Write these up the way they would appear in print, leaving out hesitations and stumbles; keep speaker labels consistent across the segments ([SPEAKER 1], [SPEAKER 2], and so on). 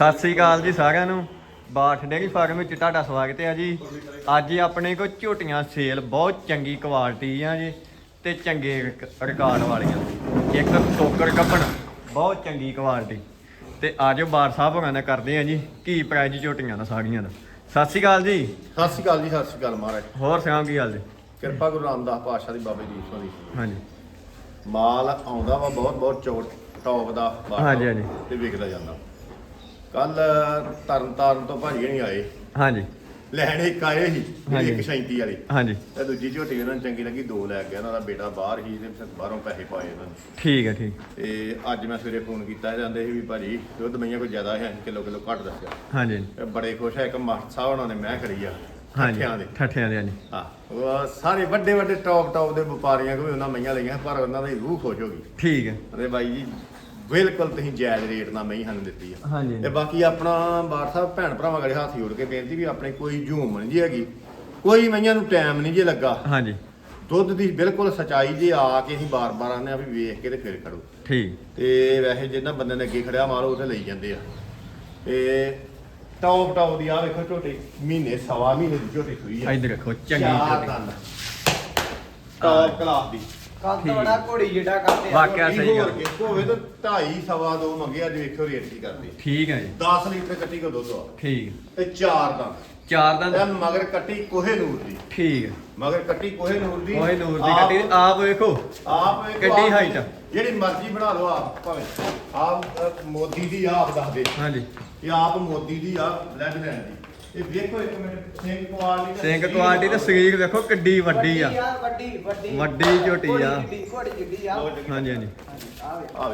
[SPEAKER 1] ਸਤਿ ਸ੍ਰੀ ਅਕਾਲ ਜੀ ਸਾਰਿਆਂ ਨੂੰ। ਬਾਠ ਡੇਅਰੀ ਫਾਰਮ ਵਿੱਚ ਤੁਹਾਡਾ ਸਵਾਗਤ ਹੈ ਜੀ। ਅੱਜ ਆਪਣੇ ਕੋਲ ਝੋਟੀਆਂ ਸੇਲ ਬਹੁਤ ਚੰਗੀ ਕੁਆਲਿਟੀ ਆ ਜੀ ਤੇ ਚੰਗੇ ਰਿਕਾਰਡ ਵਾਲੀਆਂ। ਇੱਕ ਟੋਕਰ ਕੱਪਣ ਬਹੁਤ ਚੰਗੀ ਕੁਆਲਿਟੀ ਤੇ ਆਜੋ ਬਾਠ ਸਾਹਿਬ ਹੋਰਾਂ ਨਾਲ ਕਰਦੇ ਆ ਜੀ ਕੀ ਪ੍ਰਾਈਜ਼ ਝੋਟੀਆਂ ਦਾ ਸਾਰੀਆਂ ਦਾ। ਸਤਿ ਸ੍ਰੀ ਅਕਾਲ ਜੀ।
[SPEAKER 2] ਸਤਿ ਸ਼੍ਰੀ ਅਕਾਲ ਜੀ, ਸਤਿ ਸ਼੍ਰੀ ਅਕਾਲ ਮਹਾਰਾਜ।
[SPEAKER 1] ਹੋਰ ਸੁਣਾਓ ਕੀ ਹਾਲ ਜੀ?
[SPEAKER 2] ਕਿਰਪਾ ਗੁਰੂ ਰਾਮਦਾਸ ਪਾਤਸ਼ਾਹ ਦੀ ਬਾਬੇ ਦੀ ਈਸ਼ਵਰ ਦੀ।
[SPEAKER 1] ਹਾਂਜੀ
[SPEAKER 2] ਮਾਲ ਆਉਂਦਾ ਵਾ ਬਹੁਤ ਚੋਟ ਟੌਪ ਦਾ
[SPEAKER 1] ਹਾਂਜੀ ਹਾਂਜੀ
[SPEAKER 2] ਤੇ ਵਿਕਦਾ ਜਾਂਦਾ। ਕੱਲ ਤਰਨ ਤੋਂ ਭਾਜੀ ਨਹੀਂ ਆਏ,
[SPEAKER 1] ਹਾਂਜੀ
[SPEAKER 2] ਲੈਣ ਇੱਕ ਆਏ ਸੀ
[SPEAKER 1] ਹਾਂਜੀ।
[SPEAKER 2] 137 ਵਾਲੀ
[SPEAKER 1] ਹਾਂਜੀ
[SPEAKER 2] ਤੇ ਦੂਜੀ ਝੋਟੀ ਉਹਨਾਂ ਨੂੰ ਚੰਗੀ ਲੱਗੀ, ਦੋ ਲੈ ਗਿਆ। ਉਹਨਾਂ ਦਾ ਬੇਟਾ ਬਾਹਰ ਹੀ ਤੇ ਫਿਰ ਬਾਹਰੋਂ ਪੈਸੇ ਪਾਏ ਉਹਨਾਂ ਨੇ।
[SPEAKER 1] ਠੀਕ ਹੈ ਠੀਕ।
[SPEAKER 2] ਤੇ ਅੱਜ ਮੈਂ ਸਵੇਰੇ ਫੋਨ ਕੀਤਾ, ਜਾਂਦੇ ਸੀ ਵੀ ਭਾਜੀ ਦੁੱਧ ਮਈਆਂ ਕੋਈ ਜ਼ਿਆਦਾ ਹੈ, ਕਿਲੋ ਘੱਟ ਦੱਸਿਆ।
[SPEAKER 1] ਹਾਂਜੀ
[SPEAKER 2] ਤੇ ਬੜੇ ਖੁਸ਼ ਹੈ। ਇੱਕ ਮਾਸਟਰ ਸਾਹਿਬ ਉਹਨਾਂ ਨੇ ਮੈਂ ਖੜੀ ਆ
[SPEAKER 1] ਹਾਂਜੀ
[SPEAKER 2] ਠੱਠਿਆਂ ਦੇ।
[SPEAKER 1] ਠੱਠਿਆਂ ਦੇ ਹਾਂਜੀ।
[SPEAKER 2] ਹਾਂ, ਉਹ ਸਾਰੇ ਵੱਡੇ ਟੌਪ ਦੇ ਵਪਾਰੀਆਂ ਕੋਲ ਉਹਨਾਂ ਮਈਆਂ ਲਈਆਂ, ਪਰ ਉਹਨਾਂ ਦੀ ਰੂਹ ਖੁਸ਼ ਹੋ ਗਈ।
[SPEAKER 1] ਠੀਕ ਹੈ।
[SPEAKER 2] ਅਰੇ ਬਾਈ ਜੀ ਬਿਲਕੁਲ ਤੁਸੀਂ ਜਾਇਜ਼ ਰੇਟ ਨਾਲ ਮਈ ਸਾਨੂੰ ਦਿੱਤੀ ਆ।
[SPEAKER 1] ਹਾਂਜੀ
[SPEAKER 2] ਤੇ ਬਾਕੀ ਆਪਣਾ ਬਾਠ ਸਾਹਿਬ ਭੈਣ ਭਰਾਵਾਂ ਗੜੇ ਹੱਥ ਜੋੜ ਕੇ ਬੇਨਤੀ ਵੀ ਆਪਣੇ ਕੋਈ ਝੂਮ ਨਹੀਂ ਜੀ ਹੈਗੀ, ਕੋਈ ਮਈਆਂ ਨੂੰ ਟਾਈਮ ਨਹੀਂ ਜੇ ਲੱਗਾ।
[SPEAKER 1] ਹਾਂਜੀ
[SPEAKER 2] ਦੁੱਧ ਦੀ ਬਿਲਕੁਲ ਸਚਾਈ ਜੇ ਆ ਕੇ ਅਸੀਂ ਬਾਰ-ਬਾਰ ਆਨੇ ਆ ਵੀ ਵੇਖ ਕੇ ਤੇ ਫਿਰ ਖੜੋ।
[SPEAKER 1] ਠੀਕ
[SPEAKER 2] ਤੇ ਵੈਸੇ ਜਿੰਨਾ ਬੰਦੇ ਨੇ ਅੱਗੇ ਖੜਿਆ ਮਾਰੋ ਉੱਥੇ ਲਈ ਜਾਂਦੇ ਆ। ਤੇ ਟੌਪ ਦੀ ਆ ਵੇਖੋ ਝੋਟੀ, ਮਹੀਨੇ ਸਵਾ ਮਹੀਨੇ ਦੀ ਝੋਟੀ ਸੂਈ ਆ।
[SPEAKER 1] ਇੱਧਰ ਰੱਖੋ ਚੰਗੀ
[SPEAKER 2] ਚਾਰ
[SPEAKER 1] ਝੋਟੀ।
[SPEAKER 2] ਦੰਦ ਟੌਪ ਕਲਾਸ ਦੀ।
[SPEAKER 3] ਕੱਦ ਬੜਾ ਘੋੜੀ ਜਿਹੜਾ ਕਰਦੇ ਆ।
[SPEAKER 1] ਵਾਕਿਆ ਸਹੀ ਗੱਲ।
[SPEAKER 2] ਹੋਵੇ ਤਾਂ 2.5 ਸਵਾ 2 ਮੰਗਿਆ, ਅੱਜ ਵੇਖੋ ਰੇਟ ਕੀ ਕਰਦੇ।
[SPEAKER 1] ਠੀਕ ਹੈ ਜੀ
[SPEAKER 2] 10 ਲੀਟਰ ਕੱਟੀ ਕੋ ਦੁੱਧ ਆ
[SPEAKER 1] ਠੀਕ।
[SPEAKER 2] ਤੇ 4 ਦਾ
[SPEAKER 1] ਚਾਰ ਦਾ
[SPEAKER 2] ਇਹ ਮਗਰ ਕੱਟੀ ਕੋਹੇ ਨੂਰ ਦੀ।
[SPEAKER 1] ਠੀਕ ਹੈ।
[SPEAKER 2] ਮਗਰ ਕੱਟੀ ਕੋਹੇ ਨੂਰ ਦੀ।
[SPEAKER 1] ਓਏ ਨੂਰ ਦੀ ਕੱਟੀ ਆਪ ਵੇਖੋ
[SPEAKER 2] ਆਪ ਵੇਖੋ,
[SPEAKER 1] ਕਿੱਡੀ
[SPEAKER 2] ਆਪ
[SPEAKER 1] height ਆ।
[SPEAKER 2] ਜਿਹੜੀ ਮਰਜ਼ੀ ਬਣਾ ਲਓ ਆਪ, ਭਾਵੇਂ ਆਪ ਮੋਦੀ ਦੀ ਆਪ ਦੱਸ ਦੇ
[SPEAKER 1] ਹਾਂਜੀ
[SPEAKER 2] ਇਹ ਆਪ ਮੋਦੀ ਦੀ ਆ ਬਲੱਡ ਲੈਣ ਦੀ। ਇਹ ਵੇਖੋ ਇੱਕ ਮਿੰਟ ਸਿੰਘ ਕੁਆਲਿਟੀ ਦਾ
[SPEAKER 1] ਸਿੰਘ ਕੁਆਲਿਟੀ ਤੇ ਸਰੀਰ ਵੇਖੋ ਕਿੱਡੀ ਵੱਡੀ ਆ।
[SPEAKER 3] ਵੱਡੀ
[SPEAKER 1] ਵੱਡੀ ਝੋਟੀ ਆ।
[SPEAKER 3] ਘੋੜੀ ਜਿੱਡੀ ਆ।
[SPEAKER 1] ਹਾਂਜੀ ਹਾਂਜੀ
[SPEAKER 2] ਆਵੇ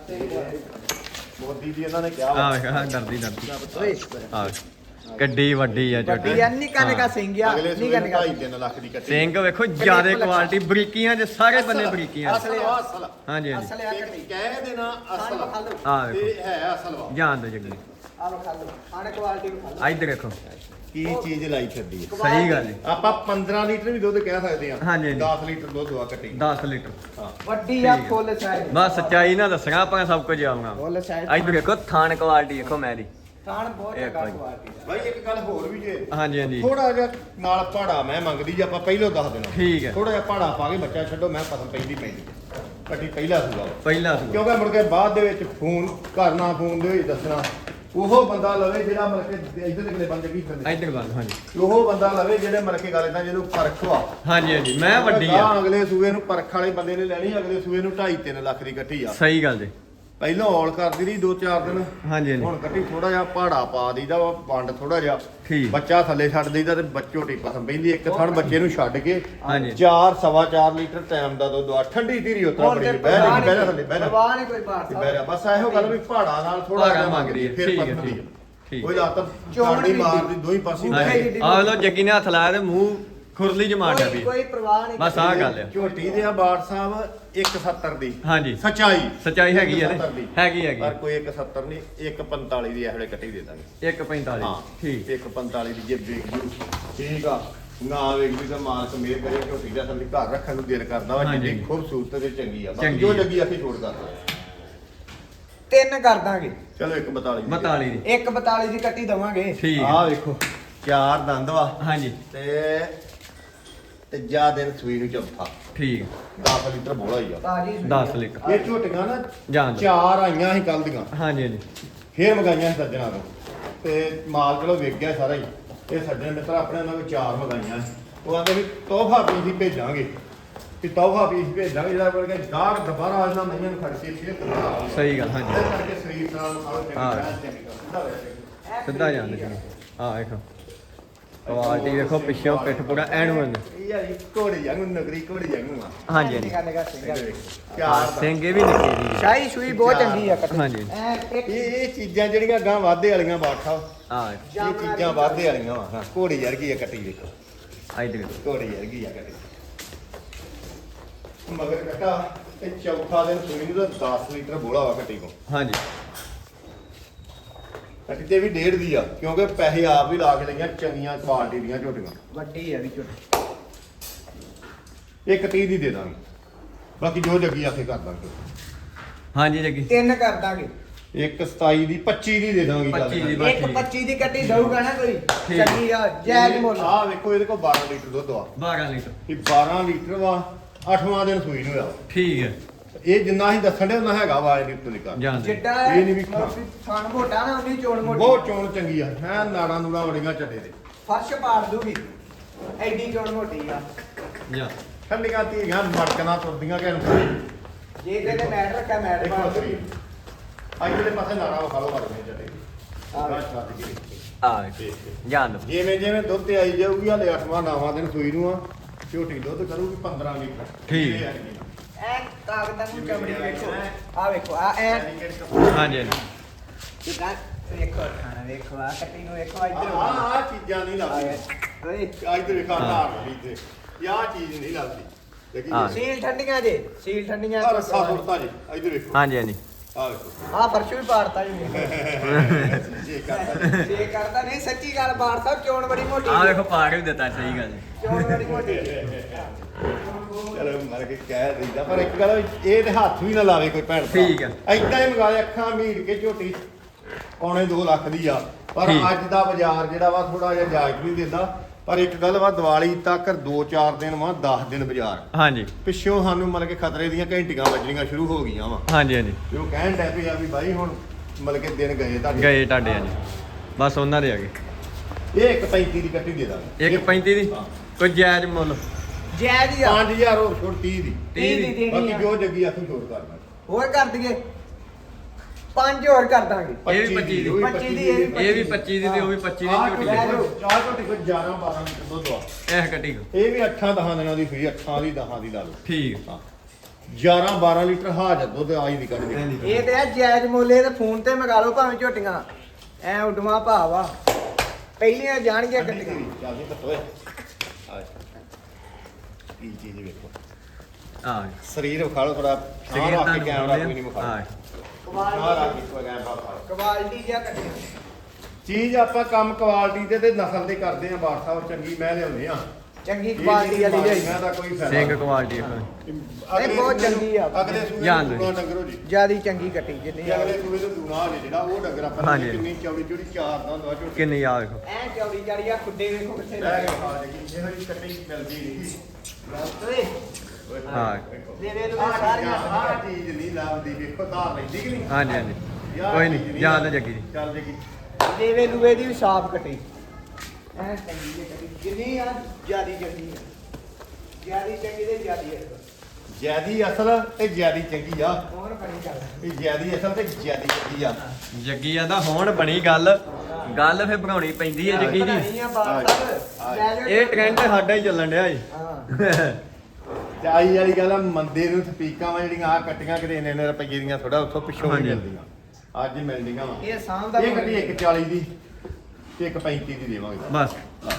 [SPEAKER 2] ਮੋਦੀ ਦੀ ਇਹਨਾਂ ਨੇ ਕਿਹਾ
[SPEAKER 1] ਆ ਵੇਖ ਆ ਡਰਦੀ
[SPEAKER 3] ਓਏ
[SPEAKER 1] ਆ ਵੇਖ। ਕਿੱਡੀ ਵੱਡੀ ਆ ਝੋਟੀ।
[SPEAKER 3] ਵੱਡੀ ਆ, ਨਿੱਕਾ ਨਿੱਕਾ ਸਿੰਘ ਆ।
[SPEAKER 2] ਅਗਲੇ
[SPEAKER 3] ਨਿੱਕਾ
[SPEAKER 2] ਸੂਏ
[SPEAKER 3] ਨਿੱਕਾ
[SPEAKER 2] 2.5 ਲੱਖ ਦੀ ਕੱਟੀ।
[SPEAKER 1] ਸਿੰਘ ਵੇਖੋ ਜਿਆਦੇ ਕੁਆਲਿਟੀ ਬਰੀਕੀਆਂ ਜੇ ਸਾਰੇ ਬੰਨੇ ਬਰੀਕੀਆਂ
[SPEAKER 3] ਅਸਲ
[SPEAKER 2] ਅਸਲ
[SPEAKER 1] ਹਾਂਜੀ ਹਾਂਜੀ
[SPEAKER 3] ਅਸਲ ਆ ਕੱਟੀ।
[SPEAKER 2] ਕਹਿ ਦੇਣਾ ਅਸਲ
[SPEAKER 1] ਆ ਵੇਖੋ
[SPEAKER 2] ਇਹ ਹੈ ਅਸਲ ਵਾ।
[SPEAKER 1] ਜਾਣ ਦੋ ਜੱਗੀ
[SPEAKER 3] ਆ ਲੋ ਖਾ ਲੋ ਆਣੇ ਕੁਆਲਿਟੀ ਨੂੰ ਖਾ ਲੋ।
[SPEAKER 1] ਇੱਧਰ ਦੇਖੋ
[SPEAKER 2] ਕੀ ਚੀਜ਼ ਲਾਈ ਛੱਡੀ ਹੈ।
[SPEAKER 1] ਸਹੀ ਗੱਲ ਹੈ।
[SPEAKER 2] ਆਪਾਂ 15 ਲੀਟਰ ਵੀ ਦੁੱਧ ਕਹਿ ਸਕਦੇ ਆ।
[SPEAKER 1] ਹਾਂਜੀ, ਹਾਂਜੀ।
[SPEAKER 2] 10 ਲੀਟਰ ਦੁੱਧ ਆ ਕੱਟੀ।
[SPEAKER 1] 10 ਲੀਟਰ
[SPEAKER 2] ਹਾਂ
[SPEAKER 3] ਵੱਡੀ ਆ,
[SPEAKER 1] ਠੀਕ ਹੈ।
[SPEAKER 3] Full size.
[SPEAKER 1] ਬਸ ਸੱਚਾਈ ਨਾਲ ਦੱਸਣਾ ਆਪਾਂ ਸਭ ਕੁਝ ਆਉਣਾ।
[SPEAKER 3] Full size.
[SPEAKER 1] ਇੱਧਰ ਦੇਖੋ ਥਾਣ ਕੁਆਲਿਟੀ ਦੇਖੋ ਮੈਂ ਦੀ।
[SPEAKER 3] ਥਾਣ ਬਹੁਤ
[SPEAKER 1] ਇੱਕ
[SPEAKER 3] ਚੰਗਾ
[SPEAKER 1] ਵਾਰੀ।
[SPEAKER 3] ਕੁਆਲਿਟੀ ਦਾ।
[SPEAKER 2] ਬਾਈ ਇੱਕ ਗੱਲ ਹੋਰ ਵੀ ਜੇ
[SPEAKER 1] ਹਾਂਜੀ ਹਾਂਜੀ
[SPEAKER 2] ਥੋੜਾ ਜਿਹਾ ਨਾਲ ਪਹਾੜਾ ਮੈਂ ਮੰਗਦੀ ਜੇ ਆਪਾਂ ਪਹਿਲਾਂ ਦੱਸ ਦੇਣਾ।
[SPEAKER 1] ਠੀਕ ਹੈ।
[SPEAKER 2] ਥੋੜਾ ਜਿਹਾ ਪਹਾੜਾ ਪਾ ਕੇ ਬੱਚਾ ਛੱਡੋ, ਮੈਂ ਪਸੰਦ ਪੈਂਦੀ ਕੱਟੀ ਪਹਿਲਾ ਸੂਆ।
[SPEAKER 1] ਪਹਿਲਾ ਸੂਆ
[SPEAKER 2] ਕਿਉਂਕਿ ਮੁੜ ਕੇ ਬਾਅਦ ਦੇ ਵਿੱਚ ਫੋਨ ਕਰਨਾ, ਫੋਨ ਦੇ ਵਿੱਚ ਦੱਸਣਾ। ਉਹ ਬੰਦਾ ਲਵੇ ਜਿਹੜਾ ਮਤਲਬ ਕਿ ਇੱਧਰ ਦੇ ਬੰਦੇ ਕੀ ਕਰਦੇ,
[SPEAKER 1] ਇੱਧਰ ਬੰਦ ਹਾਂਜੀ
[SPEAKER 2] ਉਹ ਬੰਦਾ ਲਵੇ ਜਿਹੜੇ ਮਤਲਬ ਕਿ ਗੱਲ ਇਦਾਂ ਜਿਹਨੂੰ ਪਰਖ ਵਾ।
[SPEAKER 1] ਹਾਂਜੀ ਹਾਂਜੀ ਮੈਂ ਵੱਡੀ ਆ।
[SPEAKER 2] ਗਾਂ ਅਗਲੇ ਸੂਏ ਨੂੰ ਪਰਖ ਵਾਲੇ ਬੰਦੇ ਨੇ ਲੈਣੀ, ਅਗਲੇ ਸੂਏ ਨੂੰ 2.5-3 ਲੱਖ ਦੀ ਕੱਟੀ ਆ।
[SPEAKER 1] ਸਹੀ ਗੱਲ ਜੀ।
[SPEAKER 2] ਪਹਿਲਾਂ ਔਲ ਕਰਦੀ ਰਹੀ 2-4 ਦਿਨ,
[SPEAKER 1] ਹਾਂਜੀ ਹਾਂਜੀ
[SPEAKER 2] ਹੁਣ ਕੱਟੀ ਥੋੜਾ ਜਿਹਾ ਪਹਾੜਾ ਪਾ ਦੀਦਾ ਵਾ, ਵੰਡ ਥੋੜਾ ਜਿਹਾ
[SPEAKER 1] ਠੀਕ।
[SPEAKER 2] ਬੱਚਾ ਥੱਲੇ ਛੱਡ ਦਈਦਾ ਤੇ ਬੱਚੋ ਟੀਪਾ ਪੈਂਦੀ। ਇੱਕ ਥਣ ਬੱਚੇ ਨੂੰ ਛੱਡ ਕੇ
[SPEAKER 1] ਹਾਂਜੀ
[SPEAKER 2] 4-4.25 ਲੀਟਰ ਟਾਈਮ ਦਾ ਦੁੱਧ ਆ। ਠੰਡੀ ਧੀਰੀ ਉਤਰਾ
[SPEAKER 3] ਹੁਣ
[SPEAKER 2] ਬੜੀ
[SPEAKER 3] ਤੇ
[SPEAKER 2] ਬਹਿ ਜਾ ਥੱਲੇ ਬਹਿ ਜਾ
[SPEAKER 3] ਪਰਵਾਹ ਨਹੀਂ ਕੋਈ ਬਾਤ
[SPEAKER 2] ਬਹਿ ਜਾ। ਬਸ ਇਹੋ ਗੱਲ ਵੀ ਪਹਾੜਾ ਨਾਲ ਥੋੜਾ
[SPEAKER 1] ਭਾੜਾ
[SPEAKER 2] ਜਿਹਾ
[SPEAKER 1] ਮੰਗ ਰਹੀ ਹੈ।
[SPEAKER 2] ਫਿਰ
[SPEAKER 1] ਠੀਕ ਹੈ,
[SPEAKER 2] ਪਤਲੀ
[SPEAKER 1] ਠੀਕ। ਠੀਕ।
[SPEAKER 2] ਕੋਈ ਲੱਤ
[SPEAKER 3] ਚੋਣ
[SPEAKER 2] ਚਾਂਡੀ
[SPEAKER 3] ਵੀ
[SPEAKER 2] ਮਾਰਦੀ ਦੋਈ ਪਾਸੇ
[SPEAKER 1] ਹਾਂਜੀ ਆ ਲੋ ਜੱਗੀ ਨੇ ਹੱਥ ਲਾਇਆ ਤੇ ਮੂੰਹ ਖੁਰਲੀ ਚ ਮਾਰ ਡਿਆ ਵੀ।
[SPEAKER 3] ਕੋਈ ਪਰਵਾਹ ਨਹੀਂ।
[SPEAKER 1] ਬਸ ਆਹ ਗੱਲ ਆ।
[SPEAKER 2] ਝੋਟੀ ਦੇ ਆ ਬਾੜ ਸਾਹਿਬ 170 ਦੀ
[SPEAKER 1] ਹਾਂਜੀ
[SPEAKER 2] ਸਚਾਈ
[SPEAKER 1] ਸੱਚਾਈ ਹੈਗੀ ਆ
[SPEAKER 2] 170
[SPEAKER 1] ਤੇ
[SPEAKER 2] ਦੀ।
[SPEAKER 1] ਹੈਗੀ ਹੈਗੀ
[SPEAKER 2] ਪਰ ਕੋਈ 170 ਨਹੀਂ, 145 ਦੀ ਇਹ ਵੇਲੇ ਕੱਟੀ ਦੇ ਦਾਂਗੇ।
[SPEAKER 1] 145
[SPEAKER 2] ਹਾਂ
[SPEAKER 1] ਠੀਕ
[SPEAKER 2] 145 ਦੀ ਜੇ ਵੇਖ ਜੂ ਠੀਕ ਆ। ਨਾ ਵੇਖ ਵੀ ਤਾਂ ਮਾਲਕ ਮੇਰ ਕਰੇ, ਝੋਟੀ ਦਾ ਸਾਨੂੰ ਘਰ ਰੱਖਣ ਨੂੰ ਦਿਲ ਕਰਦਾ ਵਾ।
[SPEAKER 1] ਹਾਂਜੀ।
[SPEAKER 2] ਜਿੰਨੀ ਖੂਬਸੂਰਤ ਤੇ ਚੰਗੀ ਆ, ਬਾਕੀ
[SPEAKER 1] ਚੰਗੀ
[SPEAKER 2] ਜੋ
[SPEAKER 1] ਆ।
[SPEAKER 2] ਲੱਗੀ ਆਖੀ ਛੋੜ ਕਰਦਾ।
[SPEAKER 3] ਤਿੰਨ ਕਰ ਦਾਂਗੇ।
[SPEAKER 2] ਚਲੋ 142 ਦੀ
[SPEAKER 1] 42 ਦੀ
[SPEAKER 3] 142 ਦੀ ਕੱਟੀ ਦਵਾਂਗੇ।
[SPEAKER 1] ਠੀਕ
[SPEAKER 2] ਆ ਵੇਖੋ 4 ਦੰਦ ਵਾ
[SPEAKER 1] ਹਾਂਜੀ
[SPEAKER 2] ਤੇ ਤੀਜਾ ਦਿਨ ਸੂਈ ਨੂੰ ਚੌਥਾ।
[SPEAKER 1] ਠੀਕ
[SPEAKER 2] 10 ਲੀਟਰ ਬੋਲਾ ਹੀ ਆ।
[SPEAKER 3] ਤਾਜੀ ਸੂਈ
[SPEAKER 1] 10
[SPEAKER 3] ਆ।
[SPEAKER 1] ਲੀਟਰ
[SPEAKER 2] ਇਹ ਝੋਟੀਆਂ ਨਾ
[SPEAKER 1] ਜਾਣ ਦੋ।
[SPEAKER 2] 4 ਆਈਆਂ ਸੀ ਕੱਲ ਦੀਆਂ,
[SPEAKER 1] ਹਾਂਜੀ ਹਾਂਜੀ
[SPEAKER 2] ਫੇਰ ਮਗਾਈਆਂ ਸੀ ਸੱਜਣਾ ਤੋਂ ਤੇ ਮਾਲ ਚਲੋ ਵਿਕ ਗਿਆ ਸਾਰਾ ਹੀ। ਇਹ ਸੱਜਣ ਮਿੱਤਰ ਆਪਣੇ ਉਹਨਾਂ ਕੋਲ 4 ਮਗਾਈਆਂ ਸੀ। ਉਹ ਆਂਦੇ ਵੀ ਤੋਹਫਾ ਪੀਸ ਹੀ ਭੇਜਾਂਗੇ, ਕਿ ਤੋਹਫਾ ਪੀਸ ਭੇਜਾਂਗੇ ਜਿਹੜਾ ਬੋਲ ਕੇ ਗਾਹਕ ਦੁਬਾਰਾ ਆ ਜਾਣਾ ਮਈਆਂ ਨੂੰ ਖੜ ਕੇ ਫੇਰ ਦੁਬਾਰਾ
[SPEAKER 1] ਸਹੀ ਗੱਲ ਹਾਂਜੀ
[SPEAKER 2] ਇਹ ਕਰਕੇ ਸਰੀਰ ਨਾਲ
[SPEAKER 1] ਹਾਂ। ਸਿੱਧਾ ਜਾਂਦੇ ਜੀ ਆ ਵੇਖੋ ਕੁਆਲਿਟੀ ਵੇਖੋ ਪਿੱਛੋਂ ਪਿੱਠ ਪੂਰਾ ਐਨ ਬੰਦ।
[SPEAKER 2] ਇਹ ਆ ਜੀ ਘੋੜੇ ਵਾਂਗੂ, ਨਗਰੀ ਘੋੜੇ ਵਾਂਗੂ ਆ।
[SPEAKER 1] ਹਾਂਜੀ ਹਾਂਜੀ
[SPEAKER 3] ਨਿੱਕਾ ਨਿੱਕਾ ਸਿੰਘ ਆ।
[SPEAKER 2] ਚਾਰ ਦਾ।
[SPEAKER 1] ਸਿੰਘ ਇਹ ਵੀ ਨਿੱਕੇ ਜੀ
[SPEAKER 3] ਸ਼ਾਹੀ ਸੂਈ ਬਹੁਤ ਚੰਗੀ ਆ ਕੱਟੀ।
[SPEAKER 1] ਹਾਂਜੀ।
[SPEAKER 3] ਇੱਕ
[SPEAKER 2] ਇਹ ਚੀਜ਼ਾਂ ਜਿਹੜੀਆਂ ਗਾਂ ਵਾਧੇ ਵਾਲੀਆਂ ਬਾਠਾ,
[SPEAKER 1] ਆ
[SPEAKER 2] ਇਹ ਚੀਜ਼ਾਂ ਵਾਧੇ ਵਾਲੀਆਂ ਵਾ। ਹਾਂ ਘੋੜੀ ਵਰਗੀ ਆ ਕੱਟੀ ਦੇਖੋ,
[SPEAKER 1] ਇੱਧਰ
[SPEAKER 2] ਘੋੜੀ ਵਰਗੀ ਆ ਕੱਟੀ। ਮਗਰ ਕੱਟਾ ਤੇ ਚੌਥਾ ਦਿਨ ਸੂਈ ਨੂੰ ਤਾਂ 10 ਲੀਟਰ ਬੋਲਾ ਵਾ ਕੱਟੀ ਕੋ।
[SPEAKER 1] ਹਾਂਜੀ
[SPEAKER 2] ਕੱਟੀ ਤੇ ਵੀ 1.5 ਦੀ ਆ, ਕਿਉਂਕਿ ਪੈਸੇ ਆਪ ਵੀ ਲਾ ਕੇ ਲਈਆਂ ਚੰਗੀਆਂ ਕੁਆਲਿਟੀ ਦੀਆਂ ਝੋਟੀਆਂ।
[SPEAKER 3] ਵੱਡੀ ਆ ਵੀ ਝੋਟੀ।
[SPEAKER 2] 1.30 ਦੀ ਦੇ ਦਾਂਗੇ, ਬਾਕੀ ਜੋ ਜੱਗੀ ਆਖੇ ਕਰ ਦਾਂਗੇ।
[SPEAKER 1] ਹਾਂਜੀ ਜੱਗੀ
[SPEAKER 3] ਤਿੰਨ ਕਰ ਦਾਂਗੇ।
[SPEAKER 2] ਇੱਕ 27 ਦੀ 25 ਦੀ ਦੇ ਦਾਂਗੇ
[SPEAKER 1] 25 ਦੀ।
[SPEAKER 3] ਇੱਕ 25 ਦੀ ਕੱਟੀ ਦਊਗਾ ਨਾ ਕੋਈ ਚੰਗੀ ਆ ਜਾਇਜ਼ ਮੁੱਲ।
[SPEAKER 2] ਆ ਵੇਖੋ ਇਹਦੇ ਕੋਲ 12 ਲੀਟਰ ਦੁੱਧ ਆ
[SPEAKER 1] 12 ਲੀਟਰ
[SPEAKER 2] ਇਹ 12 ਲੀਟਰ ਵਾ 8ਵਾਂ ਦਿਨ ਸੂਈ ਨੂੰ ਆ
[SPEAKER 1] ਠੀਕ ਹੈ
[SPEAKER 2] ਇਹ ਜਿੰਨਾ ਅਸੀਂ ਦੱਸਣ ਦੇ ਉਹਨਾਂ ਹੈਗਾ ਵਾ ਇਹਦੇ ਉੱਤੇ ਲਿਖਾ
[SPEAKER 1] ਜਾਂਦੇ
[SPEAKER 3] ਜਿੱਡਾ
[SPEAKER 2] ਇਹ ਨੀ ਵੀ
[SPEAKER 3] ਥਣ ਮੋਟਾ ਨਾ ਉਹਦੀ ਚੋਣ ਮੋਟੀ।
[SPEAKER 2] ਬਹੁਤ ਚੋਣ ਚੰਗੀ ਆ ਹੈ ਨਾੜਾਂ ਨੂੜਾਂ ਵੜੀਆਂ ਚੱਡੇ ਦੇ
[SPEAKER 3] ਫਰਸ਼ ਪਾੜ ਦੂਗੀ ਐਡੀ ਚੋਣ ਮੋਟੀ ਆ।
[SPEAKER 1] ਜਾਂ
[SPEAKER 2] ਠੰਡੀਆਂ ਧੀਆਂ ਮੜਕਣਾ ਤੁਰਦੀਆਂ ਕਿ ਨੂੰ
[SPEAKER 3] ਜੇ ਤੇ ਮੈਟ ਰੱਖਿਆ ਮੈਟ ਪਾੜ ਦੂਗੀ।
[SPEAKER 2] ਅੱਜ ਦੇ ਪਾਸੇ ਨਾੜਾਂ ਵਿਖਾ ਲਓ ਵੜੀਆਂ ਚੱਡੇ
[SPEAKER 3] ਆ
[SPEAKER 2] ਛੱਡ ਕੇ
[SPEAKER 1] ਆ ਜਾਂਦ
[SPEAKER 2] ਜਿਵੇਂ ਜਿਵੇਂ ਦੁੱਧ ਤੇ ਆਈ ਜਾਊਗੀ ਹਲੇ 8ਵਾਂ 9ਵਾਂ ਦਿਨ ਸੂਈ ਨੂੰ ਆ ਝੋਟੀ ਦੁੱਧ ਕਰੂਗੀ 15 ਲੀਟਰ
[SPEAKER 1] ਠੀਕ।
[SPEAKER 2] ਇਹ ਹੈ
[SPEAKER 3] ਐ ਕਾਗਜ਼ਾਂ ਨੂੰ ਚਮੜੀ ਵੇਖੋ ਆ ਵੇਖੋ ਆ ਐ
[SPEAKER 1] ਹਾਂਜੀ
[SPEAKER 3] ਜਿੱਦਾਂ ਵੇਖੋ ਖਾਣਾ ਵੇਖੋ ਆ ਕੱਟੀ ਨੂੰ ਵੇਖੋ ਇੱਧਰ
[SPEAKER 2] ਆ ਚੀਜ਼ਾਂ ਨਹੀਂ ਲੱਗਦੀਆਂ
[SPEAKER 3] ਓਏ
[SPEAKER 2] ਅੱਜ ਤੇ ਵੇਖਾ ਧਾਰ ਲਈ ਤੇ ਆਹ ਚੀਜ਼ ਨਹੀਂ ਲੱਗਦੀ ਦੇਖੀ
[SPEAKER 1] ਹਾਂ।
[SPEAKER 3] ਸੀਲ ਠੰਡੀਆਂ ਜੇ ਸੀਲ ਠੰਡੀਆਂ
[SPEAKER 2] ਆ ਰੱਸਾ ਸੁੱਟਦਾ ਜੀ ਇੱਧਰ ਵੇਖੋ
[SPEAKER 1] ਹਾਂਜੀ ਹਾਂਜੀ
[SPEAKER 2] ਆ ਵੇਖੋ
[SPEAKER 3] ਆ ਫਰਸ਼ ਵੀ ਪਾੜਤਾ ਜੀ
[SPEAKER 2] ਜੇ ਕਰਦਾ
[SPEAKER 3] ਜੇ ਕਰਦਾ ਨਹੀਂ ਸੱਚੀ ਗੱਲ ਬਾੜ ਸਾਹਿਬ ਚੋਣ ਬੜੀ ਮੋਟੀ
[SPEAKER 1] ਆ ਵੇਖੋ ਪਾ ਕੇ ਵੀ ਦਿੱਤਾ ਸਹੀ ਗੱਲ
[SPEAKER 3] ਚੋਣ ਬੜੀ ਮੋਟੀ
[SPEAKER 2] ਚਲੋ ਮਰ ਕੇ ਕਹਿ ਦਈਦਾ ਪਰ ਇੱਕ ਗੱਲ ਇਹ ਤੇ ਹੱਥ ਵੀ ਨਾ ਲਾਵੇ ਕੋਈ ਭੈਣ ਭਰਾ।
[SPEAKER 1] ਠੀਕ ਆ।
[SPEAKER 2] ਏਦਾਂ ਹੀ ਮੰਗਾ ਲਿਆ ਅੱਖਾਂ ਮੀਟ ਕੇ ਝੋਟੀ ਪੌਣੇ 2 ਲੱਖ ਦੀ ਆ ਪਰ
[SPEAKER 1] ਠੀਕ।
[SPEAKER 2] ਅੱਜ ਦਾ ਬਾਜ਼ਾਰ ਜਿਹੜਾ ਵਾ ਥੋੜਾ ਜਿਹਾ ਜਾਇਜ਼ ਨਹੀਂ ਦਿੰਦਾ ਪਰ ਇੱਕ ਗੱਲ ਵਾ ਦੀਵਾਲੀ ਤੱਕ 2-4 ਦਿਨ ਵਾ 10 ਦਿਨ ਬਾਜ਼ਾਰ
[SPEAKER 1] ਹਾਂਜੀ
[SPEAKER 2] ਪਿੱਛੋਂ ਸਾਨੂੰ ਮਤਲਬ ਕਿ ਖਤਰੇ ਦੀਆਂ ਘੰਟੀਆਂ ਵੱਜਣੀਆਂ ਸ਼ੁਰੂ ਹੋ ਗਈਆਂ ਵਾ
[SPEAKER 1] ਹਾਂਜੀ ਹਾਂਜੀ
[SPEAKER 2] ਤੇ ਉਹ ਕਹਿਣ ਡੈ ਪਏ ਆ ਵੀ ਬਾਈ ਹੁਣ ਮਤਲਬ ਕਿ ਦਿਨ ਗਏ ਤੁਹਾਡੇ
[SPEAKER 1] ਗਏ ਤੁਹਾਡੇ ਹਾਂਜੀ ਬਸ ਉਹਨਾਂ ਦੇ ਆ ਗਏ
[SPEAKER 2] ਇਹ 1.35 ਦੀ ਕੱਟੀ ਦੇ ਦਾਂਗੇ
[SPEAKER 1] 1.35 ਦੀ
[SPEAKER 2] ਹਾਂ।
[SPEAKER 1] ਕੋਈ ਜਾਇਜ਼ ਮੁੱਲ
[SPEAKER 3] ਜਾਇਜ਼ ਹੀ ਆ
[SPEAKER 2] 5000 ਹੋਰ ਛੋੜ 30 ਦੀ
[SPEAKER 3] 30 ਦੀ ਦੇਣੀ
[SPEAKER 2] ਬਾਕੀ
[SPEAKER 3] ਆ
[SPEAKER 2] ਜੋ ਜੱਗੀ ਆਖੂ ਛੋੜ ਕਰਨਾ
[SPEAKER 3] ਹੋਰ ਕਰ ਦਈਏ 5 ਹੋਰ ਕਰ ਦਾਂਗੇ
[SPEAKER 1] ਇਹ ਵੀ 25 ਦੀ।
[SPEAKER 2] ਉਹ ਵੀ
[SPEAKER 3] 25 ਦੀ,
[SPEAKER 1] ਇਹ ਵੀ 25 ਦੀ ਤੇ ਉਹ ਵੀ 25 ਦੀ ਝੋਟੀ
[SPEAKER 3] ਲੈ
[SPEAKER 1] ਹੈ
[SPEAKER 3] ਲਓ।
[SPEAKER 2] ਚਾਰ ਝੋਟੀ ਕੋਈ 11-12 ਲੀਟਰ ਦੁੱਧ ਆ
[SPEAKER 1] ਇਹ ਕੱਟੀ ਕੋ
[SPEAKER 2] ਇਹ ਵੀ 8-10 ਦਿਨਾਂ ਦੀ ਹੋਈ 8 ਦੀ 10 ਦੀ ਲਾ ਲਓ
[SPEAKER 1] ਠੀਕ
[SPEAKER 2] ਹਾਂ 11-12 ਲੀਟਰ ਹਾਜ਼ਰ ਦੁੱਧ ਆਈ ਨਿਕਲ ਗਈ
[SPEAKER 3] ਇਹ ਤੇ ਆ ਜਾਇਜ਼ ਮੁੱਲੇ ਤੇ ਫੋਨ ਤੇ ਮੰਗਾ ਲਓ ਭਾਵੇਂ ਝੋਟੀਆਂ ਐ ਉਡਵਾ ਭਾਵਾ ਪਹਿਲੀਆਂ ਜਾਣਗੀਆਂ ਕੱਟੀਆਂ
[SPEAKER 2] ਚੱਲਦੀ ਬੱਤੋਏ ਆ ਕੀ ਚੀਜ਼ ਵੇਖੋ
[SPEAKER 1] ਆ
[SPEAKER 2] ਸਰੀਰ ਵਿਖਾ ਲਓ ਥੋੜਾ
[SPEAKER 1] ਸਰੀਰ
[SPEAKER 2] ਰੱਖ
[SPEAKER 1] ਤਾਂ
[SPEAKER 2] ਕੇ ਕੈਮਰਾ ਕੋਈ ਨਹੀਂ ਵਿਖਾ
[SPEAKER 1] ਹਾਂ
[SPEAKER 2] ਸਾਰਾ ਰੱਖ ਕੇ ਕੋਈ ਕੈਮਰਾ ਵਿਖਾ
[SPEAKER 3] ਕੁਆਲਿਟੀ ਜਿਆ ਕੱਟੀਆਂ
[SPEAKER 2] ਚੀਜ਼ ਆਪਾਂ ਕੰਮ ਕੁਆਲਿਟੀ ਤੇ ਨਸਲ ਦੇ ਕਰਦੇ ਆ ਬਾਰ ਸਾਹਿਬ ਚੰਗੀ ਮੈਂ ਲਿਆਉਂਦੇ ਆ
[SPEAKER 3] ਚੰਗੀ ਕੁਆਲਿਟੀ ਵਾਲੀ ਲਈ
[SPEAKER 2] ਮੈਂ ਤਾਂ ਕੋਈ ਫਾਇਦਾ
[SPEAKER 1] ਸਿੰਘ ਕੁਆਲਿਟੀ
[SPEAKER 2] ਅਗਲੇ
[SPEAKER 3] ਬਹੁਤ
[SPEAKER 2] ਸੂਏ
[SPEAKER 3] ਚੰਗੀ ਆ।
[SPEAKER 2] ਅਗਲੇ ਸੂਏ
[SPEAKER 1] ਜਾਣ
[SPEAKER 2] ਨੂੰ
[SPEAKER 1] ਦਿਓ।
[SPEAKER 2] ਦੂਣਾ ਡੰਗਰੋ ਜੀ
[SPEAKER 3] ਜਿਆਦੀ ਚੰਗੀ ਕੱਟੀ ਜਿੰਨੀ
[SPEAKER 2] ਤੇ ਅਗਲੇ ਸੂਏ ਤੋਂ ਦੂਣਾ ਜੇ ਜਿਹੜਾ ਉਹ ਡੰਗਰ ਆਪਾਂ ਨੇ
[SPEAKER 1] ਹਾਂਜੀ।
[SPEAKER 2] ਕਿੰਨੀ ਚੌੜੀ ਚੌੜੀ ਚਾਰ ਦਾ ਹੁੰਦਾ ਝੋਟੀ
[SPEAKER 1] ਕਿੰਨੀ ਆ ਵੇਖੋ
[SPEAKER 3] ਐ ਚੌੜੀ ਚਾੜੀ ਆ ਖੁੱਡੇ ਵੇਖੋ ਕਿੱਥੇ
[SPEAKER 2] ਲੈ
[SPEAKER 3] ਲੱਗੇ
[SPEAKER 2] ਕੇ ਖਾ ਲੇਗੀ ਇਹੋ ਜਿਹੀ ਕੱਟੀ ਮਿਲਦੀ ਨਹੀਂ
[SPEAKER 3] ਓਏ
[SPEAKER 1] ਹਾਂ
[SPEAKER 3] ਦੇ ਵੇ ਲੋ ਸਾਰੀਆਂ
[SPEAKER 2] ਆਹ ਚੀਜ਼ ਨਹੀਂ ਲੱਭਦੀ ਵੇਖੋ ਧਾਰ ਲੈਂਦੀ ਕਿ ਨਹੀਂ
[SPEAKER 1] ਹਾਂਜੀ ਹਾਂਜੀ
[SPEAKER 2] ਯਾਰ
[SPEAKER 1] ਕੋਈ
[SPEAKER 2] ਚੀਜ਼
[SPEAKER 1] ਨਹੀਂ ਯਾਦ ਜੱਗੀ ਦੀ
[SPEAKER 2] ਚੱਲ ਜੇਗੀ
[SPEAKER 3] ਦੇ ਵੇ ਲੂਏ ਦੀ ਵੀ ਸਾਫ ਕੱਟੀ ਐ ਚੰਗੀ ਜਿਹੀ ਕੱਟੀ ਜਿੰਨੀ ਆ ਜਿਆਦੀ ਚੰਗੀ ਆ ਜਿਆਦੀ ਚੰਗੀ ਤੇ ਜਿਆਦੀ ਆ
[SPEAKER 2] ਜਿਆਦੀ ਅਸਲ ਤੇ ਜਿਆਦੀ ਚੰਗੀ ਆ
[SPEAKER 3] ਹੋਰ ਬਣੀ ਗੱਲ
[SPEAKER 2] ਵੀ ਜਿਆਦੀ ਅਸਲ ਤੇ ਜਿਆਦੀ ਚੰਗੀ ਆ
[SPEAKER 1] ਜੱਗੀ ਆਦਾ ਹੁਣ ਬਣੀ ਗੱਲ ਗੱਲ ਫੇਰ ਬਣਾਉਣੀ ਪੈਂਦੀ ਹੈ ਜੱਗੀ ਦੀ
[SPEAKER 3] ਬਣਾਈ ਆ ਬਾਤ ਸਾਹਿਬ ਲੈ ਲਿਓ
[SPEAKER 1] ਇਹ ਟ੍ਰੈਂਡ ਸਾਡਾ ਹੀ ਚੱਲਣ ਡਿਆ ਜੀ
[SPEAKER 3] ਹਾਂ
[SPEAKER 2] ਤੇ ਆਈ ਵਾਲੀ ਗੱਲ ਆ ਮੰਦੇ ਨੂੰ ਸਪੀਕਾਂ ਵਾ ਜਿਹੜੀਆਂ ਆ ਕੱਟੀਆਂ ਕਿਤੇ ਇੰਨੇ ਇੰਨੇ ਰੁਪਏ ਦੀਆਂ ਥੋੜਾ ਉੱਥੋਂ ਪਿੱਛੋਂ ਵੀ
[SPEAKER 1] ਹਾਂਜੀ।
[SPEAKER 2] ਮਿਲਦੀਆਂ ਅੱਜ ਹੀ ਮਿਲਦੀਆਂ ਵਾ
[SPEAKER 3] ਇਹ ਸਾਂਭ ਦਾ
[SPEAKER 2] ਇਹ ਕੱਟੀ 140 ਦੀ ਤੇ 135 ਦੀ ਦੇਵਾਂਗੇ
[SPEAKER 1] ਬਸ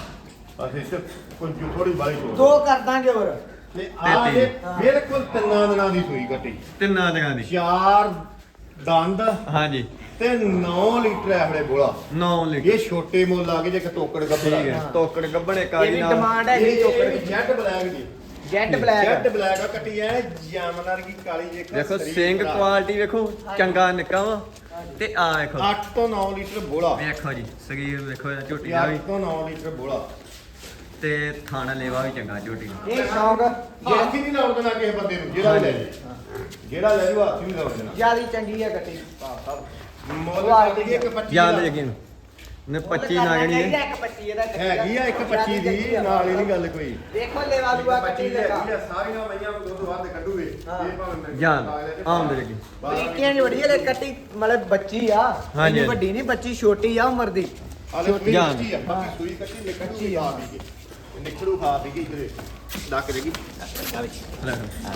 [SPEAKER 2] ਬਸ ਇਸ ਕੁਝ ਥੋੜੀ ਬਾਲੀ ਛੋੜ
[SPEAKER 3] ਦੋ ਕਰ ਦਾਂਗੇ ਹੋਰ
[SPEAKER 2] ਤੇ ਆ ਜੇ ਬਿਲਕੁਲ ਤਿੰਨਾਂ ਦਿਨਾਂ ਦੀ ਸੂਈ ਕੱਟੀ
[SPEAKER 1] ਤਿੰਨਾਂ ਜਗ੍ਹਾ ਦੀ
[SPEAKER 2] 4 ਦੰਦ
[SPEAKER 1] ਹਾਂਜੀ
[SPEAKER 2] ਤੇ 9 ਲੀਟਰ ਐਵੜੇ ਬੋਲਾ
[SPEAKER 1] 9 ਲੀਟਰ
[SPEAKER 2] ਇਹ ਛੋਟੇ ਮੁੱਲ ਆ ਗਏ ਜੇ ਟੋਕੜ ਗੱਬੜਾ
[SPEAKER 1] ਠੀਕ ਹੈ ਤੋਕੜ ਗੱਬਣੇ
[SPEAKER 3] ਇਹ
[SPEAKER 1] ਕਾਜੀ
[SPEAKER 3] ਵੀ
[SPEAKER 1] ਨਾਲ
[SPEAKER 3] ਡਿਮਾਂਡ ਹੈਗੀ
[SPEAKER 2] ਇਹ
[SPEAKER 3] ਟੋਕਰ
[SPEAKER 2] ਜੈਟ ਬਲੈਕ ਦੀ
[SPEAKER 3] ਜੈਟ
[SPEAKER 2] ਜੈਟ
[SPEAKER 3] ਬਲੈਕ
[SPEAKER 2] ਬਲੈਕ ਆ ਕੱਟੀ ਐ ਜਾਮਨਰ ਕੀ ਕਾਲੀ ਇੱਕ
[SPEAKER 1] ਦੇਖੋ
[SPEAKER 2] ਸਰੀਰ
[SPEAKER 1] ਸਿੰਘ
[SPEAKER 2] ਭਰਾ।
[SPEAKER 1] ਕੁਆਲਿਟੀ ਵੇਖੋ ਚੰਗਾ ਨਿੱਕਾ ਵਾ ਤੇ ਆ ਵੇਖੋ
[SPEAKER 2] 8 ਤੋਂ 9 ਲੀਟਰ ਬੋਲਾ
[SPEAKER 1] ਵੇਖੋ ਜੀ ਸਰੀਰ ਵੇਖੋ ਇਹਦਾ ਝੋਟੀ ਦਾ
[SPEAKER 2] 8
[SPEAKER 1] ਵੀ
[SPEAKER 2] ਤੋਂ 9 ਲੀਟਰ ਬੋਲਾ
[SPEAKER 1] ਤੇ ਥਾਣਾ ਲੇਵਾ ਵੀ ਚੰਗਾ ਝੋਟੀ ਦਾ
[SPEAKER 3] ਇਹ ਸ਼ੌਂਕ
[SPEAKER 2] ਹੱਥ ਹੀ ਨਹੀਂ ਲਾਉਣ ਦੇਣਾ ਕਿਸੇ ਬੰਦੇ ਨੂੰ ਜਿਹੜਾ ਵੀ ਲੈ ਜੇ ਜਿਹੜਾ ਲੈ ਜੂ ਹੱਥ ਹੀ ਨਹੀਂ ਲਾਉਣ ਦੇਣਾ
[SPEAKER 3] ਜਿਆਦੀ ਚੰਗੀ ਆ ਕੱਟੀ
[SPEAKER 2] ਮੁੱਲ ਕੱਢੀ ਇੱਕ 25
[SPEAKER 1] ਯਾਦ
[SPEAKER 2] ਦਾ।
[SPEAKER 1] ਯਕੀਨ ਨੇ 25 ਨਾਗਣੀ ਹੈ
[SPEAKER 3] ਇੱਕ 25 ਇਹਦਾ ਕੱਟੀ
[SPEAKER 2] ਹੈਗੀ ਆ ਇੱਕ 25 ਦੀ ਨਾਲ ਹੀ ਨਹੀਂ ਗੱਲ ਕੋਈ
[SPEAKER 3] ਦੇਖੋ ਲੈਵਾ ਲੂਆ ਕੱਟੀ
[SPEAKER 2] 25
[SPEAKER 3] ਲੇਵਾ
[SPEAKER 2] ਹੈਗੀ ਆ ਸਾਰੀਆਂ ਮਈਆਂ ਨੂੰ ਦੁੱਧ ਵੱਧ ਕੱਢੂਗੇ
[SPEAKER 3] ਹਾਂ।
[SPEAKER 2] ਇਹ ਭਾਵੇਂ ਮੇਰੇ
[SPEAKER 1] ਜਾਨ,
[SPEAKER 2] ਕੋਲ ਲੈ ਜੇ,
[SPEAKER 1] ਆਮ ਦੇ ਲੱਗੀ।
[SPEAKER 3] ਬਰੀਕੀਆਂ ਦੀ ਬੜੀ ਹੈ ਕੱਟੀ ਮਤਲਬ ਬੱਚੀ ਆ
[SPEAKER 1] ਹਾਂਜੀ,
[SPEAKER 3] ਇੰਨੀ ਵੱਡੀ ਨਹੀਂ ਬੱਚੀ ਛੋਟੀ ਆ ਉਮਰ ਦੀ
[SPEAKER 2] ਆਲੇ ਸੂਈ
[SPEAKER 1] ਜਾਨ।
[SPEAKER 2] ਕੱਚੀ ਆ ਬਾਕੀ ਸੂਈ ਕੱਚੀ ਨਿਕਲੂ ਖਾ ਪੀ ਕੇ ਨਿਕਲੂ ਖਾ ਪੀ ਕੇ ਇਧਰੇ ਡੱਕ ਦੇਗੀ
[SPEAKER 1] ਲੈ।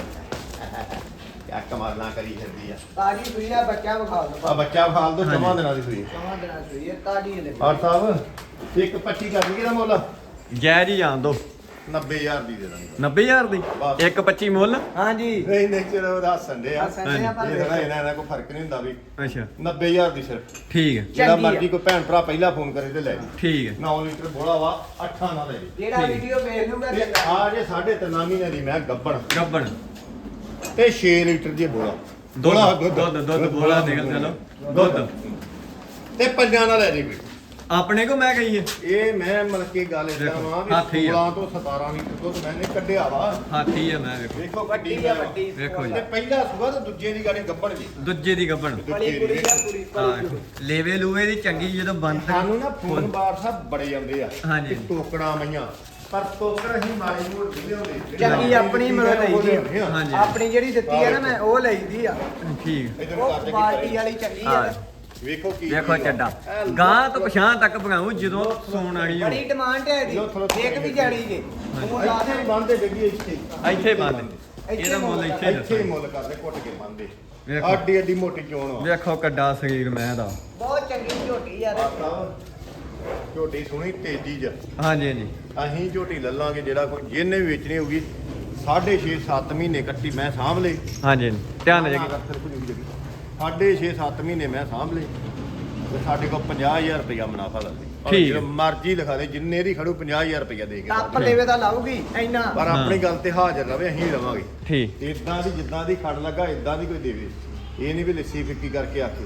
[SPEAKER 2] ਕਿਆ ਕਮਾਲ ਨਾ ਕਰੀ ਫਿਰਦੀ ਆ
[SPEAKER 3] ਤਾਜੀ ਸੂਈ ਆ ਬੱਚਾ ਵਿਖਾ ਦੋ
[SPEAKER 2] ਆ ਬੱਚਾ ਫਾਲ ਦੋ
[SPEAKER 1] ਹਾਂਜੀ।
[SPEAKER 2] ਜਮਾ ਦੇਣਾ ਦੀ ਸੂਈ
[SPEAKER 3] ਸਮਾਂ ਦੇਣਾ ਸੂਈ ਹੈ ਤਾਜੀ ਲੈ
[SPEAKER 2] ਔਰ ਸਾਹਿਬ ਇੱਕ 25 ਕਰ ਲਈਏ ਦਾ ਮੁੱਲ
[SPEAKER 1] ਜੈ ਜੀ ਜਾਣ ਦੋ
[SPEAKER 2] 90000 ਦੀ ਦੇ ਦਾਂਗੇ
[SPEAKER 1] 90000 ਦੀ
[SPEAKER 2] ਬਸ।
[SPEAKER 1] 125 ਮੁੱਲ
[SPEAKER 3] ਹਾਂਜੀ
[SPEAKER 2] ਨਹੀਂ ਨਹੀਂ ਚਲੋ ਹੱਸਣ ਦੇ ਆ
[SPEAKER 3] ਸੰਨੇ ਆਪਾਂ
[SPEAKER 2] ਇਹ ਥੋੜਾ ਇਹਨਾਂ ਕੋਈ ਫਰਕ ਨਹੀਂ ਹੁੰਦਾ ਵੀ
[SPEAKER 1] ਅੱਛਾ
[SPEAKER 2] 90000 ਦੀ ਸਿਰਫ
[SPEAKER 1] ਠੀਕ ਹੈ
[SPEAKER 2] ਜਿਹੜਾ
[SPEAKER 3] ਚੰਗੀ ਆ।
[SPEAKER 2] ਮਰਜ਼ੀ ਕੋਈ ਭੈਣ ਭਰਾ ਪਹਿਲਾਂ ਫੋਨ ਕਰੇ ਤੇ ਲੈ ਜੀ
[SPEAKER 1] ਠੀਕ ਹੈ
[SPEAKER 2] 9 ਲੀਟਰ ਬੋਲਾ ਵਾ 8 ਨਾਲ ਲੈ ਜੀ
[SPEAKER 3] ਜਿਹੜਾ
[SPEAKER 1] ਠੀਕ।
[SPEAKER 3] ਵੀਡੀਓ ਵੇਖ ਲੂਗਾ
[SPEAKER 2] ਤੇ ਆ ਜੇ 3.5 ਮਹੀਨੇ ਦੀ ਮੈਂ ਗੱਬਣ
[SPEAKER 1] ਗੱਬਣ
[SPEAKER 2] ਤੇ 6 ਲੀਟਰ ਦੀ ਬੋਲਾ
[SPEAKER 1] ਦੁੱਧ ਬੋਲਾ ਨਿਕਲ ਚਲੋ ਦੁੱਧ
[SPEAKER 2] ਤੇ ਪੰਜਾਂ ਨਾਲ ਲੈ ਜੀ ਕੋਈ
[SPEAKER 1] ਆਪਣੇ ਕੋ ਮੈਂ ਕਹੀਏ
[SPEAKER 2] ਇਹ ਮੈਂ ਮਤਲਬ ਕਿ ਗੱਲ ਇਦਾਂ
[SPEAKER 1] ਦੇਖੋ,
[SPEAKER 2] ਵਾ
[SPEAKER 1] ਹਾਥੀ
[SPEAKER 2] ਵੀ
[SPEAKER 1] ਆ।
[SPEAKER 2] 16 ਤੋਂ 17 ਲੀਟਰ ਦੁੱਧ ਮੈਨੇ ਕੱਢਿਆ ਵਾ
[SPEAKER 1] ਹਾਥੀ ਆ ਮੈਂ ਵੇਖੋ
[SPEAKER 2] ਵੇਖੋ
[SPEAKER 3] ਵੱਡੀ
[SPEAKER 2] ਗੱਡੀ
[SPEAKER 3] ਆ ਵੱਡੀ
[SPEAKER 1] ਵੇਖੋ ਜੀ।
[SPEAKER 2] ਤੇ ਪਹਿਲਾ ਸੁਬਾ ਤੇ ਦੂਜੇ ਦੀ ਗਾੜੀ ਗੱਬਣ ਜੀ
[SPEAKER 1] ਦੂਜੇ ਦੀ ਗੱਬਣ
[SPEAKER 3] ਬੜੀ ਕੁੜੀ ਆ ਪੂਰੀ
[SPEAKER 1] ਹਾਂ ਲੇਵੇ ਲੂਵੇ ਦੀ ਚੰਗੀ ਜਦੋਂ ਬੰਦ
[SPEAKER 2] ਸਾਨੂੰ ਨਾ ਫੋਨ ਬਾਰ ਸਾਹਿਬ ਬੜੇ ਆਉਂਦੇ ਆ
[SPEAKER 1] ਹਾਂਜੀ।
[SPEAKER 2] ਕਿ ਟੋਕੜਾ ਮਈਆਂ ਪਰ ਟੋਕਰ ਅਸੀਂ ਮਾੜੀ ਮੋੜ ਨਹੀਂ ਲਿਆਉਂਦੇ
[SPEAKER 3] ਚੰਗੀ ਆਪਣੀ ਮਤਲਬ ਲਈ
[SPEAKER 2] ਆ
[SPEAKER 1] ਹਾਂਜੀ
[SPEAKER 3] ਆਪਣੀ ਜਿਹੜੀ ਦਿੱਤੀ ਹੈ ਨਾ ਮੈਂ ਉਹ ਲਈਦੀ ਆ
[SPEAKER 1] ਠੀਕ
[SPEAKER 2] ਇਧਰ
[SPEAKER 3] ਉਹ
[SPEAKER 2] ਕਰਦੇ
[SPEAKER 3] ਕੁਆਲਿਟੀ
[SPEAKER 2] ਕੀ
[SPEAKER 3] ਵਾਲੀ ਚੰਗੀ ਆ
[SPEAKER 1] ਹਾਂ
[SPEAKER 2] ਵੇਖੋ ਕੀ
[SPEAKER 1] ਵੇਖੋ
[SPEAKER 2] ਚੀਜ਼ ਆ।
[SPEAKER 1] ਚੱਡਾ
[SPEAKER 2] ਇਹ
[SPEAKER 1] ਗਾਂ ਤੋਂ ਪਛਾਣ ਤੱਕ ਭਗਾਉ ਜਦੋਂ ਸੌਣ ਵਾਲੀ ਹੋ
[SPEAKER 3] ਬੜੀ ਡਿਮਾਂਡ ਹੈ ਇਹਦੀ
[SPEAKER 2] ਲਓ ਥੋੜ੍ਹਾ
[SPEAKER 3] ਦੇਖ ਵੀ ਜਾਣੀ ਜੇ ਉਹ ਲਾ
[SPEAKER 2] ਇੱਥੇ
[SPEAKER 3] ਦੇ
[SPEAKER 2] ਬੰਦੇ ਡੱਗੀ ਇੱਥੇ
[SPEAKER 1] ਇੱਥੇ ਬੰਦ ਇਹਦਾ ਮੁੱਲ ਇੱਥੇ
[SPEAKER 2] ਇੱਥੇ ਹੀ
[SPEAKER 1] ਦੱਸੋ
[SPEAKER 2] ਮੁੱਲ ਕਰਦੇ ਘੁੱਟ ਕੇ ਬੰਦੇ
[SPEAKER 1] ਵੇਖੋ।
[SPEAKER 2] ਅੱਡੀ ਅੱਡੀ ਮੋਟੀ ਚੋਣ ਵਾ
[SPEAKER 1] ਵੇਖੋ ਕੱਡਾ ਸਰੀਰ ਮੈਂ ਦਾ
[SPEAKER 3] ਬਹੁਤ ਚੰਗੀ ਝੋਟੀ ਯਾਰ
[SPEAKER 2] ਝੋਟੀ ਸੁਣੀ ਤੇਜ਼ੀ ਚ
[SPEAKER 1] ਹਾਂਜੀ ਹਾਂਜੀ
[SPEAKER 2] ਅਸੀਂ ਝੋਟੀ ਲੱਲਾਂਗੇ ਜਿਹੜਾ ਕੋਈ ਜਿਹਨੇ ਵੀ ਵੇਚਣੀ ਹੋਊਗੀ 6.5 7 ਮਹੀਨੇ ਕੱਟੀ ਮੈਂ ਸਾਂਭ ਲਈ
[SPEAKER 1] ਹਾਂਜੀ ਹਾਂਜੀ। ਧਿਆਨ ਨਾਲ ਜੀ
[SPEAKER 2] 6.5 7 ਮਹੀਨੇ ਮੈਂ ਸਾਂਭ ਲਈ ਤੇ ਸਾਡੇ ਕੋਲ 50000 ਰੁਪਇਆ ਮੁਨਾਫਾ ਲੱਗੇ
[SPEAKER 1] ਠੀਕ।
[SPEAKER 2] ਜਿਹੜਾ ਮਰਜ਼ੀ ਲਿਖਾ ਦੇ ਜਿੰਨੇ ਦੀ ਖੜੂ 50000 ਰੁਪਇਆ ਦੇ ਕੇ
[SPEAKER 3] ਟੱਪ ਲੈਵੇ ਤਾਂ ਲਾਊਗੀ ਇੰਨਾ
[SPEAKER 2] ਪਰ ਆਪਣੀ ਗੱਲ ਤੇ ਹਾਜ਼ਰ ਰਵੇ ਅਸੀਂ ਰਵਾਂਗੇ
[SPEAKER 1] ਠੀਕ
[SPEAKER 2] ਇਦਾਂ ਦੀ ਜਿੱਦਾਂ ਦੀ ਖੜ ਲੱਗਾ ਇਦਾਂ ਦੀ ਕੋਈ ਦੇਵੇ ਇਹ ਨਹੀਂ ਵੀ ਲੱਸੀ ਫਿੱਕੀ ਕਰਕੇ ਆਖੇ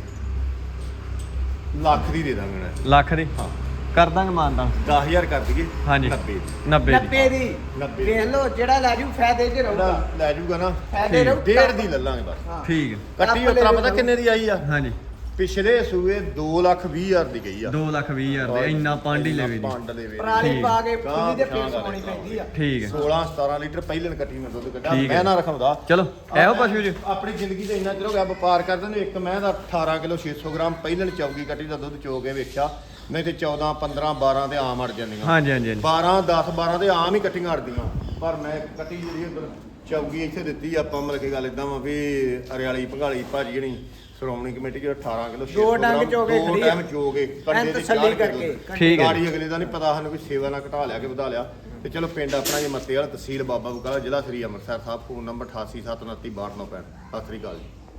[SPEAKER 2] ਲੱਖ ਦੀ ਦੇ ਦਾਂਗੇ ਨਾ
[SPEAKER 1] ਲੱਖ ਦੀ
[SPEAKER 2] ਹਾਂ
[SPEAKER 1] ਕਰ ਦਾਂਗੇ ਮਾਨਦਾ
[SPEAKER 2] 10000 ਕਰ ਦਈਏ
[SPEAKER 1] ਹਾਂਜੀ
[SPEAKER 2] 90
[SPEAKER 1] 90
[SPEAKER 3] 90
[SPEAKER 1] ਦੀ
[SPEAKER 3] ਦੀ
[SPEAKER 2] 90
[SPEAKER 3] ਵੇਖ ਲਓ ਜਿਹੜਾ ਲੈ ਜੂ ਫਾਇਦੇ 'ਚ ਰਹੂਗਾ
[SPEAKER 2] ਜਿਹੜਾ ਲੈ ਜਾਊਗਾ ਨਾ
[SPEAKER 3] ਫਾਇਦੇ ਰਹੂ
[SPEAKER 2] ਡੇਢ ਦੀ ਲੱਲਾਂਗੇ ਬਸ
[SPEAKER 3] ਹਾਂ।
[SPEAKER 1] ਠੀਕ ਹੈ।
[SPEAKER 2] ਕੱਟੀ
[SPEAKER 3] ਟੱਪ
[SPEAKER 2] ਉਤਰਾ
[SPEAKER 3] ਲੈਵੇ
[SPEAKER 2] ਪਤਾ ਕਿੰਨੇ ਦੀ ਆਈ ਆ
[SPEAKER 1] ਹਾਂਜੀ
[SPEAKER 2] ਪਿਛਲੇ ਸੂਏ 2,20,000 ਦੀ ਗਈ ਆ
[SPEAKER 1] 2,20,000 ਦੇ ਇੰਨਾ ਪਾਂਡੀ ਲੈਵੇ ਦੀ
[SPEAKER 2] ਪੰਡ ਲੈਵੇ
[SPEAKER 3] ਪਰਾਲੀ
[SPEAKER 1] ਠੀਕ।
[SPEAKER 3] ਪਾ ਕੇ
[SPEAKER 2] ਗਾਂ
[SPEAKER 3] ਖੁੱਲੀ ਤੇ
[SPEAKER 2] ਪਛਾਣ
[SPEAKER 3] ਫੇਰ
[SPEAKER 2] ਵਾਲੇ
[SPEAKER 3] ਸੋਣੀ ਪੈਂਦੀ ਆ
[SPEAKER 1] ਠੀਕ ਹੈ
[SPEAKER 2] 16 17 ਲੀਟਰ ਪਹਿਲੇ ਕੱਟੀ ਨੇ ਦੁੱਧ ਕੱਢਿਆ
[SPEAKER 1] ਠੀਕ ਹੈ।
[SPEAKER 2] ਮੈਂ ਨਾ ਰਖਾਉਂਦਾ
[SPEAKER 1] ਚਲੋ ਇਹੋ ਪਸ਼ੂ ਜੀ
[SPEAKER 2] ਆਪਣੀ ਜ਼ਿੰਦਗੀ ਤੇ ਇੰਨਾ ਚਿਰ ਹੋ ਗਿਆ ਵਪਾਰ ਕਰਦੇ ਨੇ ਇੱਕ ਮੈਂ ਦਾ 18 ਕਿਲੋ 600 ਗ੍ਰਾਮ ਪਹਿਲਣ ਚੌਗੀ ਕੱਟੀ ਦਾ ਦੁੱਧ ਚੋ ਕੇ ਵੇਖਿਆ ਨਹੀਂ ਤੇ 14 15 12 ਤੇ ਆਮ ਅੜ ਜਾਂਦੀਆਂ
[SPEAKER 1] ਹਾਂਜੀ ਹਾਂਜੀ ਹਾਂਜੀ
[SPEAKER 2] 12 10 12 ਤੇ ਆਮ ਹੀ ਕੱਟੀਆਂ ਅੜਦੀਆਂ ਪਰ ਮੈਂ ਕੱਟੀ ਜਿਹੜੀ ਉਧਰ ਚੌਗੀ ਇੱਥੇ ਦਿੱਤੀ ਆਪਾਂ ਮਤਲਬ ਕਿ ਗੱਲ ਇਦਾਂ ਵਾ ਵੀ ਅਰਿਆਲੀ ਭੰਗਾਲੀ ਭਾਜੀ ਜਣੀ ਸ਼੍ਰੋਮਣੀ ਕਮੇਟੀ ਜਿਹੜਾ 18 ਕਿਲੋ
[SPEAKER 3] ਦੋ ਡੰਗ ਚੋ ਕੇ ਖੜੀ ਆ।
[SPEAKER 2] ਟਾਈਮ ਚੋ ਕੇ ਕੰਡੇ ਦੀ
[SPEAKER 3] ਤਸੱਲੀ
[SPEAKER 2] ਚਾੜ ਕੇ
[SPEAKER 3] ਕਰਕੇ।
[SPEAKER 2] ਦੁੱਧ।
[SPEAKER 1] ਠੀਕ ਹੈ।
[SPEAKER 2] ਗਾੜੀ ਅਗਲੇ ਦਾ ਨਹੀਂ ਪਤਾ ਸਾਨੂੰ ਕੋਈ ਸੇਵਾ ਨਾਲ ਘਟਾ ਲਿਆ ਕਿ ਵਧਾ ਲਿਆ ਤੇ ਚਲੋ ਪਿੰਡ ਆਪਣਾ ਜੇ ਮੱਤੇ ਵਾਲਾ ਤਹਿਸੀਲ ਬਾਬਾ ਬਕਾਲਾ ਜ਼ਿਲ੍ਹਾ ਸ੍ਰੀ ਅੰਮ੍ਰਿਤਸਰ ਸਾਹਿਬ ਫੋਨ ਨੰਬਰ 8879329265 ਸਤਿ ਸ੍ਰੀ ਅਕਾਲ ਜੀ